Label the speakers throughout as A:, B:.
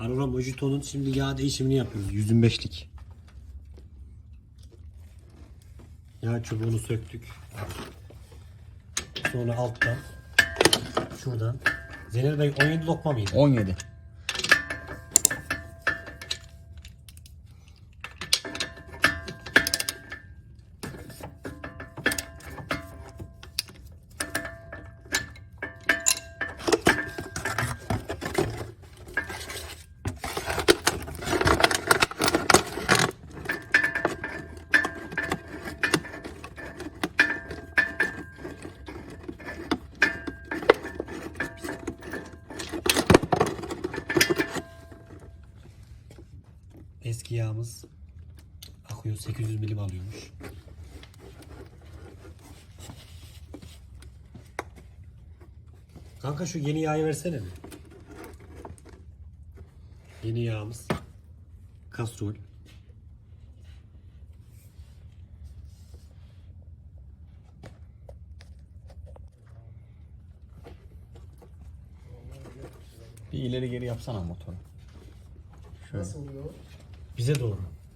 A: Aurora Mojito'nun şimdi yağ değişimini yapıyoruz. 125'lik. Yağ çubuğunu söktük. Sonra alttan şuradan. Zeynel Bey 17 lokma mıydı?
B: 17.
A: Eski yağımız akıyor. 800 milim alıyormuş. Kanka şu yeni yağı versene mi? Yeni yağımız. Kastrol.
B: Bir ileri geri yapsana motoru. Şöyle.
C: Nasıl oluyor?
A: Bize doğru.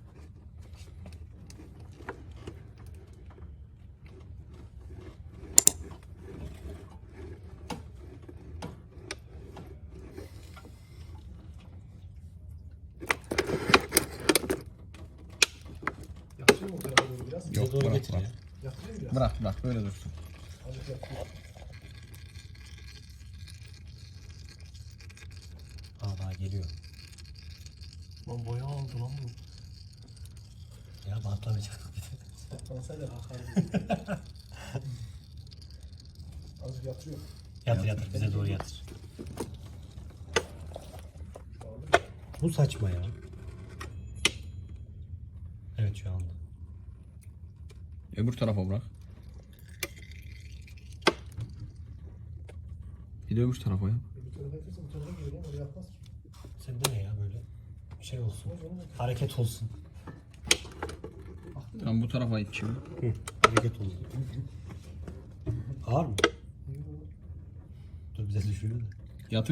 C: Yatırayım mı o tarafa doğru biraz?
A: Bize
B: Yok,
A: doğru
B: bırak,
A: getir
B: bırak.
A: ya.
C: Yatırayım biraz.
B: Bırak böyle dursun.
C: Azıcık yatırayım.
A: Daha geliyor.
C: Lan boya aldı lan bu.
A: Ya bantlamayacak.
C: Patlansaydı kalkardı. Azıcık yatırıyor.
A: Yatır bize doğru yatır. Bu saçma ya. Evet şu anda.
B: Öbür tarafa bırak. Bir de öbür tarafa yap.
C: Bir tarafa yatırsa bu tarafa geliyor. Oraya yapmaz ki.
A: Sende ne ya böyle? Bir şey olsun. Hareket olsun.
B: Tamam bu tarafa it şimdi.
A: Hareket olsun. Ağır mı? Dur bize düşürüyor da.
B: Yatır.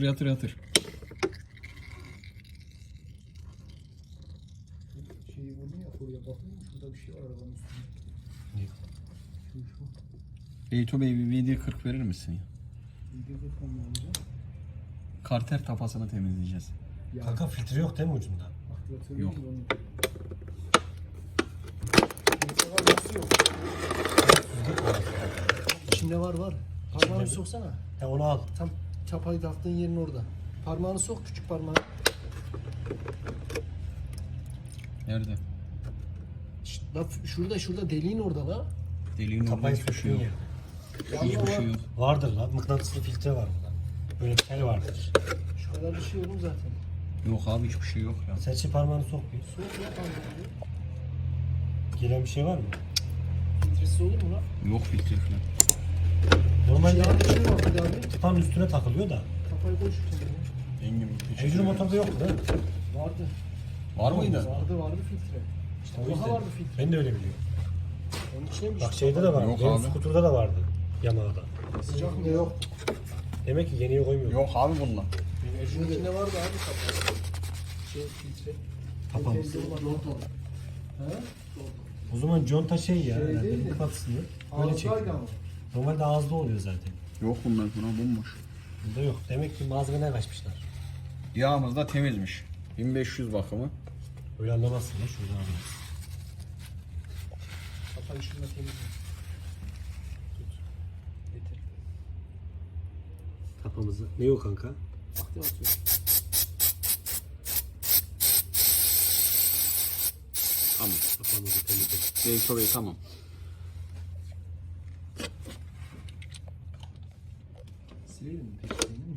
C: Şeyi vurdum ya oraya bakıyorum. Şurada bir şey var arabanın üstünde.
A: Ne?
C: Şu.
B: Beyto Bey bir VD40 verir misin ya?
C: Videoda tam alacağım.
B: Karter tapasını temizleyeceğiz.
C: Ya.
A: Kanka filtre yok değil mi ucunda?
C: Aktivatörü
B: Yok.
C: değil onun. Filtre var nasıl yok? İçinde var. Parmağını
A: mi?
C: soksana.
A: Ya onu al.
C: Tam çapayı taktığın yerin orada. Parmağını sok, küçük parmağını.
B: Nerede?
C: Bak şurada deliğin orada la.
B: Deliğin
A: Kafayı
B: orada hiçbir şey
A: söküyor
B: yok.
A: ya.
B: Hiçbir şey yok.
A: Vardır lan. Mıknatıslı filtre var burada. Böyle bir tel vardır.
C: Şu kadar bir şey olur zaten.
B: Yok abi hiçbir şey yok ya.
A: Serçe parmağını sok bir.
C: Sok ya parmağını.
A: Gelen bir şey var mı?
C: Filtresiz olur mu la?
B: Yok filtre falan.
A: Normalde
C: Yağın içine bak hadi abi.
A: tıpanın üstüne takılıyor da.
C: Kafayı koy şu kenara.
B: Engin
A: Evcil motorda yoktu değil mi?
C: Vardı.
B: Var mıydı?
C: Vardı filtre. İşte
A: O
C: daha
A: yüzden.
C: vardı filtre.
A: Ben de öyle biliyorum.
C: Onun içine bir
A: Bak şeyde de var.
B: Yok
A: Benim
B: abi.
A: skuturda da vardı. Yamaha'da.
C: sıcak mı yok?
A: Demek ki yeniye koymuyor.
B: Yok abi bunlar.
C: Şunun içinde vardı abi kapağı. Filtre.
A: Kapalı.
C: Filtre olan orada. He?
A: O zaman conta şey ya.
C: Şey
A: herhalde
C: değil mi?
A: mıknatısını böyle
C: Ağızdaydı
A: çekiyor.
C: ama.
A: Normalde ağızda oluyor zaten.
B: Yok bunlar buna bomboş.
A: Bunda yok. Demek ki malzemeden kaçmışlar.
B: Yağımız da temizmiş. 1500 bakımı.
A: Öyle anlamazsın ya şuradan anlarsın.
C: Kapağı şununla temizle. Tut. Getir.
A: Kapamızı. Ne yok kanka?
C: Aktivatör.
B: Tamam.
A: Kapamızı temizledik.
B: Beyto Bey tamam.
C: Silelim mi peki senin mi?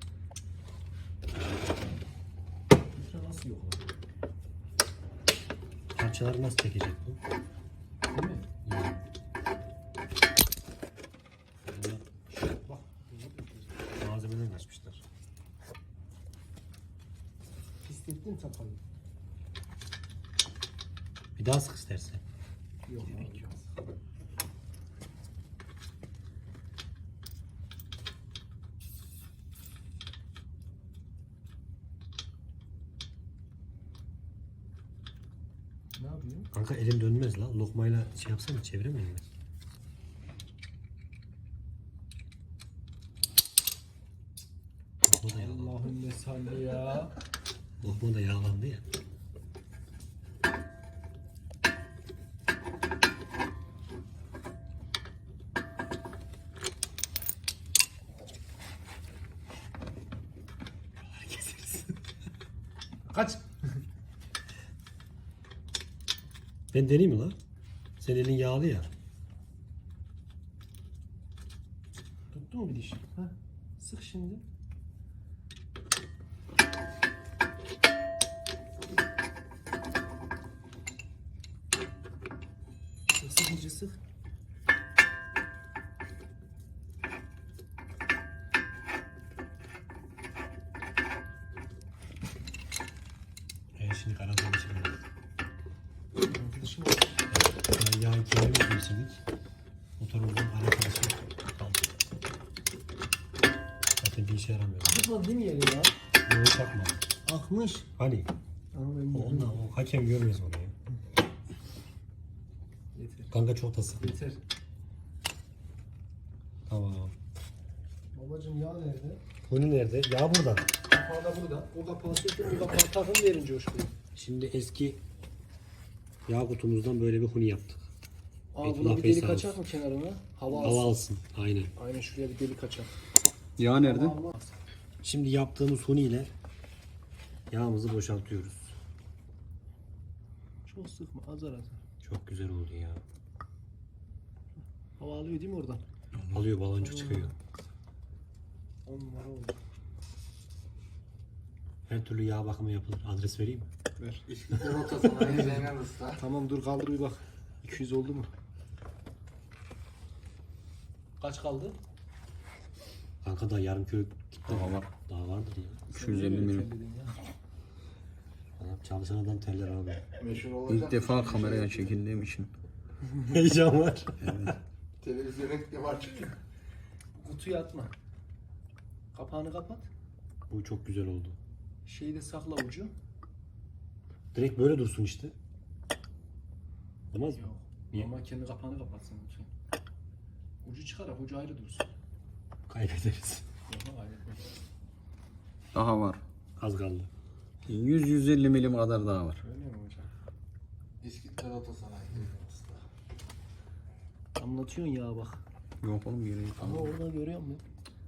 C: Filtre nasıl yok lan?
A: Parçaları nasıl çekecek bu?
C: Değil mi? Bak.
A: Malzemeden kaçmışlar.
C: Hissettin kafayı.
A: Bir daha sık istersen.
C: Yok abi. Yok. dönüyor?
A: Kanka elim dönmez la. Lokmayla şey yapsana, çeviremiyor musun? Lokma da yağlandı.
C: Allahümme salli ya.
A: Lokma da yağlandı ya.
C: Kaç.
A: Ben deneyeyim mi la? Senin elin yağlı ya.
C: Tuttu mu bir diş? Ha. Sık şimdi. Sık iyice sık.
A: Şimdi karar konuşalım.
C: Dişim
A: Yani yağ kendimiz geçirdik. Motorumuzun alakası kaldı. Zaten bir işe yaramıyor.
C: tutmadı değil mi yeri ya?
A: Böyle çakma.
C: Akmış.
A: Hani?
C: Ama ben
A: Ondan o hakem görmez onu ya.
C: Yeter.
A: Kanka çok da sık.
C: Yeter.
A: Tamam.
C: Babacım yağ nerede?
A: Bunu nerede? Yağ burada.
C: Kapağı da burada. O kapağı sökün, o kapağı takın verin coşkuyu.
A: Şimdi eski yağ kutumuzdan böyle bir huni yaptık.
C: Aa
A: Beytullah
C: buna bir
A: Bey
C: delik
A: sağ
C: açak mı kenarına? Hava alsın.
A: Hava alsın. Aynen.
C: Aynen şuraya bir delik açak.
B: Yağ nerede?
C: Hava almaz.
A: Şimdi yaptığımız huni ile yağımızı boşaltıyoruz.
C: Çok sıkma, azar azar.
A: Çok güzel oldu ya.
C: Hava alıyor değil mi oradan?
A: Alıyor, baloncuk çıkıyor.
C: 10 numara oldu.
A: Her türlü yağ bakımı yapılır. Adres vereyim mi?
C: Ver.
D: İşte rotasına Zeynep Usta.
C: Tamam dur kaldır bir bak. 200 oldu mu? Kaç kaldı?
A: Kanka da yarım kilo gitti.
B: Daha var.
A: Daha vardır ya.
B: 250 milim.
A: Adam, çalışan adam teller abi.
D: Meşhur olacak.
B: İlk defa kameraya çekildiğim için.
A: Heyecan var.
D: Televizyona ilk var çünkü.
C: Kutuyu atma. Kapağını kapat.
A: Bu çok güzel oldu.
C: Şeyi de sakla ucu.
A: Direkt böyle dursun işte. Olmaz mı?
C: Yok.
A: Niye?
C: Ama kendi kapağını kapatsın lütfen. Ucu çıkarak ucu ayrı dursun.
A: Kaybederiz.
C: Yok kaybetmez.
B: Daha var.
A: Az kaldı.
B: 100-150 milim kadar daha var.
C: Öyle mi hocam?
D: İskitler Otosanayi Zeynep Usta.
C: Anlatıyorsun ya bak.
B: Yok oğlum yere
C: Ama orada görüyor musun?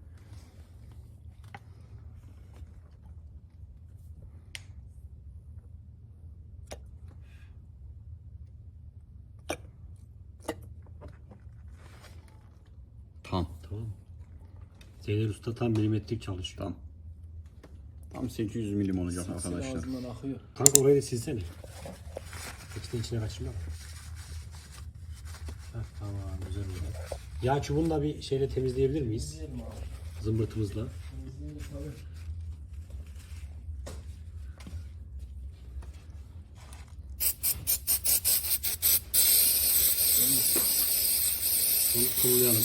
B: Tam.
A: Tamam mı? Zeynep Usta tam milimetrik çalışıyor.
B: Tam. Tam 800 milim olacak
C: Sesi
B: arkadaşlar.
C: ağzından akıyor.
A: Kanka orayı da silsene. İçine içine kaçırma. Heh, tamam güzel oldu. Yağ çubuğunu da bir şeyle temizleyebilir miyiz?
C: İzleyelim abi.
A: Zımbırtımızla.
C: İzleyelim tabii.
A: Onu kullayalım.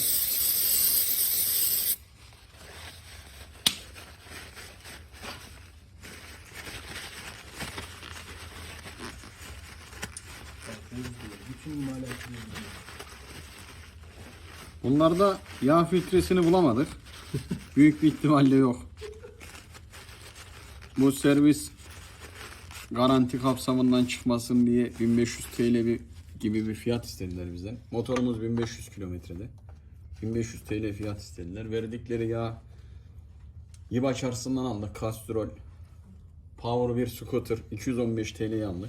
C: Bütün imalatı izliyor.
B: Bunlarda yağ filtresini bulamadık. Büyük bir ihtimalle yok. Bu servis garanti kapsamından çıkmasın diye 1500 TL gibi bir fiyat istediler bizden. Motorumuz 1500 kilometrede. 1500 TL fiyat istediler. Verdikleri yağ İBA çarşısından aldık. Castrol Power 1 Scooter 215 TL'ye aldık.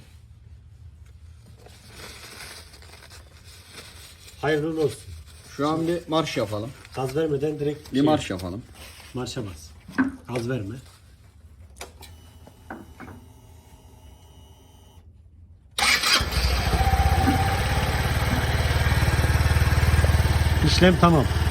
A: Hayırlı olsun.
B: Şu an bir marş yapalım.
A: Gaz vermeden direkt
B: Bir marş yapalım.
A: marşa bas. Gaz verme. İşlem tamam.